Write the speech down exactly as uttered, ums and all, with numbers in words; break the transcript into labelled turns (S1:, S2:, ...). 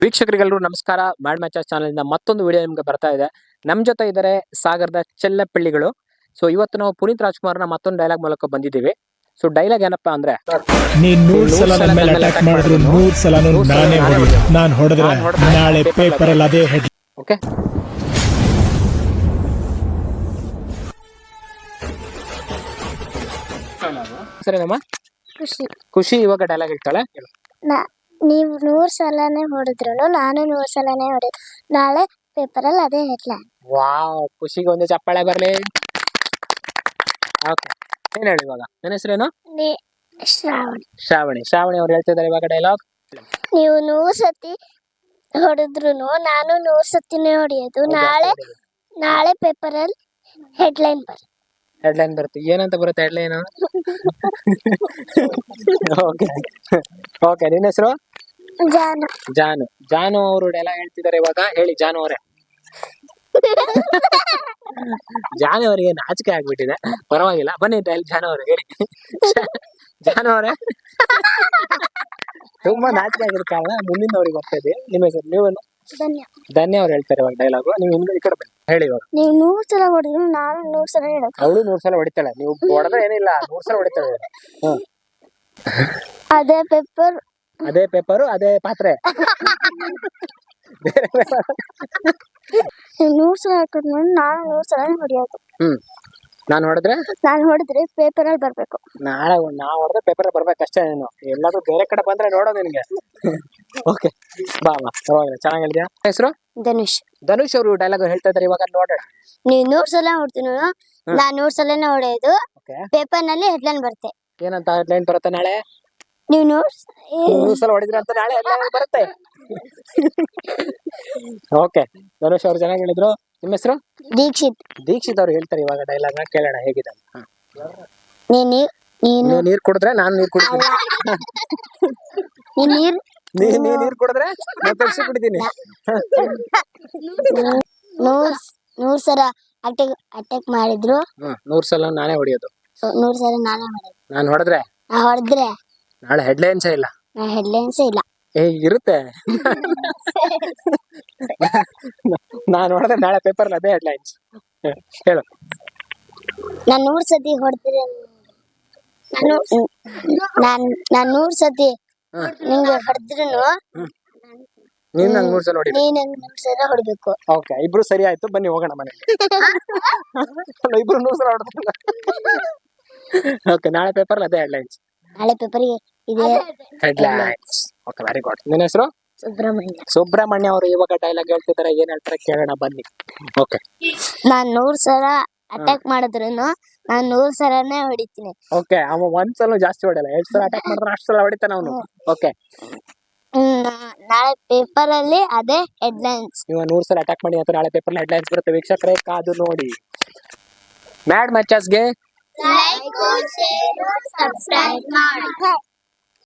S1: ವೀಕ್ಷಕರಿಗೆಲ್ಲರೂ ನಮಸ್ಕಾರ. Mad matches channel ಇಂದ ಮತ್ತೊಂದು ವಿಡಿಯೋ ನಿಮಗೆ ಬರ್ತಾ ಇದೆ. ನಮ್ಮ ಜೊತೆ ಇದ್ದಾರೆ ಸಾಗರದ ಚೆಲ್ಲಪಳ್ಳಿಗಳು. ಸೊ ಇವತ್ತು ನಾವು ಪುನೀತ್ ರಾಜ್ಕುಮಾರ್ನ ಮತ್ತೊಂದು ಡೈಲಾಗ್ ಮೂಲಕ ಬಂದಿದ್ದೀವಿ. ಸೊ ಡೈಲಾಗ್ ಏನಪ್ಪಾ ಅಂದ್ರೆ,
S2: ನೀನ್ ನೂರ್ ಸಲ ನನ್ನ ಮೇಲೆ ಅಟ್ಯಾಕ್ ಮಾಡಿದ್ರು ನೂರ್ ಸಲನು ನಾನೇ ಹೊಡೆಯೋದು. ನಾನ್ ಹೊಡೆದ್ರೆ ನಾಳೆ ಪೇಪರ್ ಅಲ್ಲಿ ಅದೇ ಹೆಡ್.
S1: ಓಕೆ, ಸರಿನಮ್ಮ?
S3: ಖುಷಿ
S1: ಖುಷಿ ಇವಾಗ ಡೈಲಾಗ್ ಹೇಳ್ತಾಳೆ.
S3: ನೀವು ನೂರ್ ಸಲನೇ ಹೊಡೆದ್ರು ನಾನು ನೂರ್ ಸಲನೇ ಹೊಡೆದು ನಾಳೆ ಪೇಪರ್ ಅಲ್ಲಿ ಅದೇ ಹೆಡ್ಲೈನ್.
S1: ವಾವ್, ಖುಷಿಗೆ ಒಂದು ಚಪ್ಪಾಳೆ ಬರ್ಲಿ. ಓಕೆ, ಏನ್ ಹೇಳಿ ಇವಾಗ? ನನ್ನ ಹೆಸರೇನು?
S3: ಶ್ರಾವಣಿ.
S1: ಶ್ರಾವಣಿ. ಶ್ರಾವಣಿ ಅವ್ರು ಹೇಳ್ತಿದ್ದಾರೆ ಇವಾಗ ಡೈಲಾಗ್.
S3: ನೀವು ನೂರ್ ಸತಿ ಹೊಡೆದ್ರು ನಾನು ನೂರ್ ಸತಿನೇ ಹೊಡೆಯೋದು. ನಾಳೆ ನಾಳೆ ಪೇಪರ್ ಅಲ್ಲಿ ಹೆಡ್ಲೈನ್ ಬರ್
S1: ಹೆಡ್ಲೈನ್ ಬರುತ್ತೆ. ಏನಂತ ಬರುತ್ತೆ ಹೆಡ್ಲೈನ್? ಓಕೆ ಓಕೆ ನಿನ್ನ ಹೆಸರು?
S3: ಜಾನು.
S1: ಜಾನು. ಜಾನು ಅವರು ಡೈಲಾಗ್ ಹೇಳ್ತಿದ್ದಾರೆ ಇವಾಗ. ಹೇಳಿ ಜಾನು ಅವರೇ. ಜಾನು ಅವರಿಗೆ ನಾಚಿಕೆ ಆಗ್ಬಿಟ್ಟಿದೆ. ಪರವಾಗಿಲ್ಲ, ಬನ್ನಿ ಡೈಲ್ ಜಾನು ಅವ್ರೆ ಹೇಳಿ. ಜಾನು ಅವರೇ, ತುಂಬಾ ನಾಚಿಕೆ ಆಗಿರ್ತಾವ. ಮುಂದಿನ ಅವ್ರಿಗೆ ಬರ್ತಾ ಇದೆ. ನಿಮ್ಮ ಹೆಸರು? ನೀವು?
S3: ಧನ್ಯ.
S1: ಧನ್ಯ ಅವ್ರು ಹೇಳ್ತಾರೆ ಇವಾಗ ಡೈಲಾಗು. ನೀವು ಹಿಂದೆ ಈ ಕಡೆ ಬನ್ನಿ, ಹೇಳಿ ಇವಾಗ.
S3: ನೀವು ನೂರ್ ಸಲ ಹೊಡೆದ್ರು ನಾನು ನೂರ್ ಸಲ ಹೇಳೋದು.
S1: ಅವಳು ನೂರ್ ಸಲ ಹೊಡಿತಾಳೆ, ನೀವು ಹೊಡೆದ್ರೆ ಏನಿಲ್ಲ, ನೂರ್ ಸಲ ಹೊಡಿತಾಳೆ. ಹ್ಮ್,
S3: ಅದೇ ಪೇಪರ್
S1: ಅದೇ ಪೇಪರು ಅದೇ ಪಾತ್ರೆ. ಬೇರೆ ಬೇರೆ.
S3: ನೀವು ನೂರ್ ಸಲ ಹಾಕಿದ್ರು ನಾನು ನೂರ್ ಸಲ ಹೊಡೆಯೋದು.
S1: ಹ್ಮ್, ನಾನು ಹೊಡೆದ್ರೆ
S3: ನಾನು ಹೊಡೆದ್ರೆ ಪೇಪರ್ ಅಲ್ಲಿ ಬರ್ಬೇಕು.
S1: ನಾಳೆ ನಾ ಹೊಡೆದ್ರೆ ಪೇಪರ್ ಬರ್ಬೇಕಷ್ಟೇ. ನೀನು ಎಲ್ಲಾದ್ರೂ ಬೇರೆ ಕಡೆ ಬಂದ್ರೆ ನೋಡೋ ನಿನ್ಗೆ. ಓಕೆ, ಬಾ ಬಾ, ಪರವಾಗಿಲ್ಲ, ಚೆನ್ನಾಗಿ ಹೇಳಿದ್ಯಾ. ಹೆಸರು?
S3: ಧನುಷ್.
S1: ಧನುಷ್ ಅವರು ಡೈಲಾಗ್ ಹೇಳ್ತಾ ಇದಾರೆ ಇವಾಗ, ನೋಡೋಣ.
S3: ನೀವು ನೂರ್ ಸಲ ಹೊಡ್ತೀನಿ ನಾನ್ ನೂರ್ ಸಲನೇ ಹೊಡೆಯೋದು.
S1: ಓಕೆ,
S3: ಪೇಪರ್ ನಲ್ಲಿ ಹೆಡ್ಲೈನ್ ಬರುತ್ತೆ.
S1: ಏನಂತ ಹೆಡ್ಲೈನ್ ಬರುತ್ತೆ ನಾಳೆ?
S3: ನೀವು ನೂರ್
S1: ನೂರ್ ಸಲ ಹೊಡಿದ್ರೆ ಅಂತ ನಾಳೆ ಹೆಡ್ಲೈನ್ ಬರುತ್ತೆ. ಓಕೆ, ಧನುಷ್ ಅವ್ರು ಚೆನ್ನಾಗಿ ಹೇಳಿದ್ರು. ನಿಮ್ಮ ಹೆಸರು?
S3: ದೀಕ್ಷಿತ್.
S1: ದೀಕ್ಷಿತ್ ಅವ್ರು ಹೇಳ್ತಾರೆ ಇವಾಗ ಡೈಲಾಗ್ ನ, ಕೇಳೋಣ ಹೇಗಿದೆ.
S3: ನೀನ್ ನೀನು
S1: ನೀರ್ ಕುಡಿದ್ರೆ ನಾನು ನೀರ್ ಕುಡಿತೀನಿ.
S3: ನೀನ್ ನೀರ್
S1: ನೀ ನೀ ನೀರ್ ಕುಡಿದ್ರೆ ನಾನು ತರ್ಸಿ ಕುಡಿತೀನಿ.
S3: ನೂರ್ ನೂರ್ ಸಲ ಅಟ್ಯಾಕ್ ಅಟ್ಯಾಕ್ ಮಾಡಿದ್ರು
S1: ಹ್ಮ್, ನೂರ್ ಸಲ ನಾನೇ ಹೊಡಿಯೋದು.
S3: ನೂರ್ ಸಲ ನಾನೇ ಮಾಡೋದು.
S1: ನಾನು ಹೊಡೆದ್ರೆ
S3: ನಾ ಹೊಡೆದ್ರೆ
S1: ನಾಳೆ ಹೆಡ್ಲೈನ್ಸ್ ಇಲ್ಲ.
S3: ನಾ ಹೆಡ್ಲೈನ್ಸೇ ಇಲ್ಲ.
S1: ಏ ಇರುತ್ತೆ. ನಾನು ಹೊಡೆದ್ರೆ ನಾಳೆ ಪೇಪರ್ ಅದೇ ಹೆಡ್ಲೈನ್ಸ್. ಹೇಳು.
S3: ನಾನ್ ನೂರ್ ಸತಿ ಹೊಡೆದ್ರೆ ನಾನು ನಾನ್ ನಾನ್ ನೂರ್ ಸತಿ ನಿಂಗೆ ಹೊಡೆದ್ರು
S1: ನೀನ್ ನಂಗೆ ನೂರ್ ಸಲ ಹೊಡಿ.
S3: ನೀನ್ ನಂಗೆ ನೂರ್ ಸಲ ಹೊಡಿಬೇಕು.
S1: ಓಕೆ, ಇಬ್ರು ಸರಿ ಆಯ್ತು, ಬನ್ನಿ ಹೋಗೋಣ ಮನೆಗೆ. ಇಬ್ರು ನೂರ್ ಸಲ ಹೊಡೆದ್ರಲ್ಲ. ಓಕೆ, ನಾಳೆ ಪೇಪರ್ ಅದೇ ಹೆಡ್ಲೈನ್ಸ್.
S3: ನಾಳೆ ಪೇಪರ್ಗೆ ಇದೆ
S1: ಹೆಡ್ಲೈನ್ಸ್. Okay, very good. ನಿನ್ನ ಹೆಸರು?
S3: ಸುಬ್ರಹ್ಮಣ್ಯ.
S1: ಸುಬ್ರಹ್ಮಣ್ಯ ಅವರು ಇವಾಗ ಡೈಲಾಗ್ ಹೇಳ್ತಿದ್ದಾರೆ. ಏನ್ ಹೇಳ್ತಾರೆ ಕೇಳೋಣ ಬನ್ನಿ. ಓಕೆ,
S3: ನಾನ್ ನೂರ್ ಸಲ ಅಟ್ಯಾಕ್ ಮಾಡಿದ್ರು ನಾನ್ ನೂರ್ ಸಲನೇ ಹೊಡಿತೀನಿ.
S1: ಓಕೆ, ಅವ ಒಂದ್ ಸಲ ಜಾಸ್ತಿ ಹೊಡೆಯಲ್ಲ, ಎರಡ್ ಸಲ ಅಟ್ಯಾಕ್ ಮಾಡಿದ್ರೆ ಅಷ್ಟು ಸಲ ಹೊಡಿತಾನ ಅವನು. ಓಕೆ,
S3: ನಾಳೆ ಪೇಪರ್ ಅಲ್ಲಿ ಅದೇ ಹೆಡ್ಲೈನ್ಸ್.
S1: ನೀವು ನೂರ್ ಸಲ ಅಟ್ಯಾಕ್ ಮಾಡಿ ಅಂತ ನಾಳೆ ಪೇಪರ್ ಹೆಡ್ಲೈನ್ಸ್ ಬರುತ್ತೆ. ವೀಕ್ಷಕರೇ ಕಾದು ನೋಡಿ. ಮ್ಯಾಡ್ ಮ್ಯಾಚಸ್ಗೆ
S3: ಲೈಕ್, ಶೇರ್, ಸಬ್ಸ್ಕ್ರೈಬ್ ಮಾಡಿ.